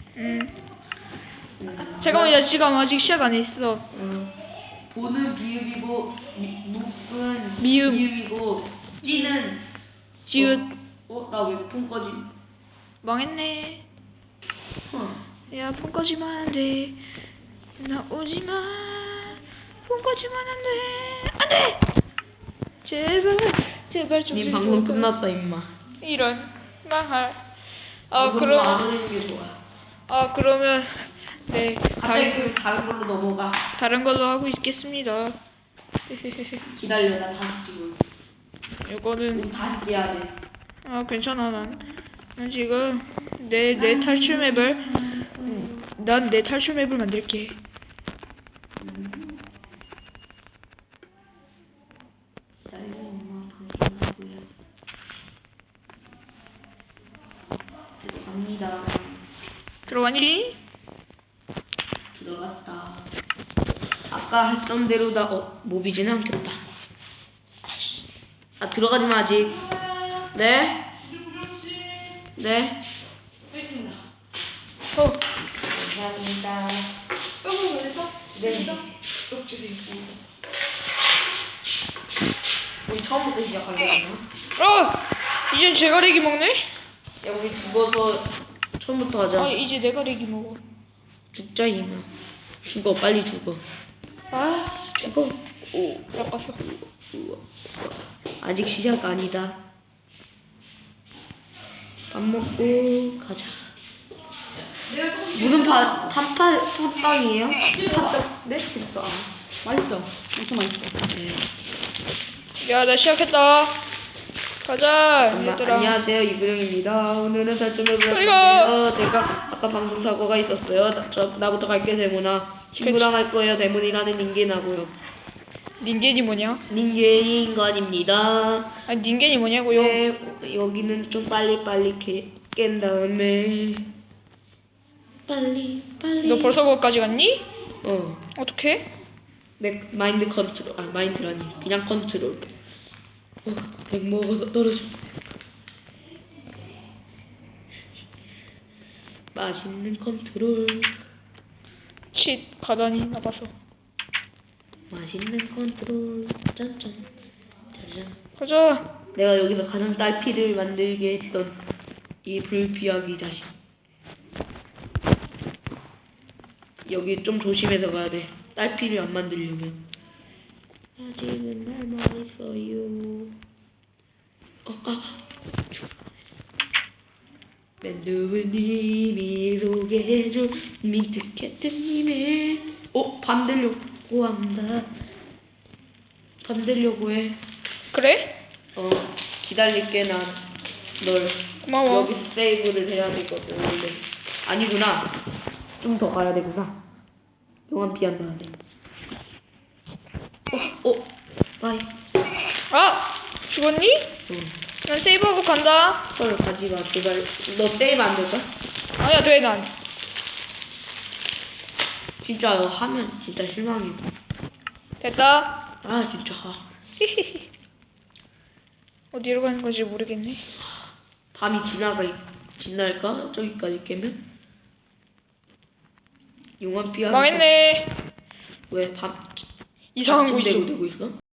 잠깐만, 지금 아직 시작 안 했어. 보는 비읍이고 묵은 미음. 비읍이고 찌는 지읒. 나 왜 폰 꺼지? 망했네. 야, 폰 꺼지면 안 돼. 나 오지마. 폰 꺼지면 안 돼. 안 돼! 제발 좀. 님 방송 끝났다 임마. 이런 망할. 그럼 게 좋아. 그러면 네, 다른 걸로 넘어가. 다른 걸로 하고 있겠습니다. 기다려, 나 다시 찍어. 이거는 다시 해야 돼. 괜찮아. 난 지금 내 탈출 맵을 난 내 탈출 맵을 만들게. 갑니다. 들어가니? 들어갔다. 아까 했던 대로 모비지는 않겠다. 들어가지 마 아직. 네? 네? 감사합니다. 네. 우리 처음부터 시작하려나? 이젠 제가 렉이 먹네? 야, 우리 죽어서 처음부터 하자. 이제 내가 렉이 먹어. 죽자 이마. 죽어, 빨리 죽어. 죽어. 아깝어. 아직 시작 아니다. 밥 먹고 가자. 무슨 팥빵이에요? 팥떡? 네? 됐어. 맛있어. 엄청 맛있어. 네. 야, 나 시작했다. 가자, 얘들아. 안녕하세요, 이구령입니다. 오늘은 살점을 이거! 보여드릴게요. 제가 아까 방송 사고가 있었어요. 나부터 갈게, 대문아. 친구랑 할 거예요. 대문이라는 닌겐하고요. 닌겐이 뭐냐? 닌겐이 인간입니다. 닌겐이 뭐냐고요? 네, 여기는 좀 빨리 깬 다음에 빨리. 너 벌써 거기까지 갔니? 어떡해? 마인드 컨트롤. 마인드라니. 그냥 컨트롤. 백 먹어서 떨어져. 맛있는 컨트롤. 가다니 나가서. 맛있는 컨트롤. 짠짠. 짜잔. 가자. 내가 여기서 가장 딸피를 만들게 했던 이 불피하기 자식. 여기 좀 조심해서 가야 돼. 딸피를 안 만들려면. 아직은 남아있어요. 맨두부님이 소개해준 민트캣트님의 밤 되려고 한다. 밤 되려고 해. 그래? 기다릴게. 난 널 고마워. 여기서 세이브를 해야 되거든. 원래 아니구나. 좀 더 가야 되구나. 용암 피한다. 바이. 죽었니? 난 세이브하고 간다. 헐, 가지마 제발. 너 세이브 안 될까? 아니야, 돼. 난 진짜 하면 진짜 실망이고. 됐다. 진짜. 어디로 가는 건지 모르겠네. 밤이 지날까? 저기까지 깨면? 용암 피하는 망했네. 왜 이상한 대로 곳이죠. 되고 있어?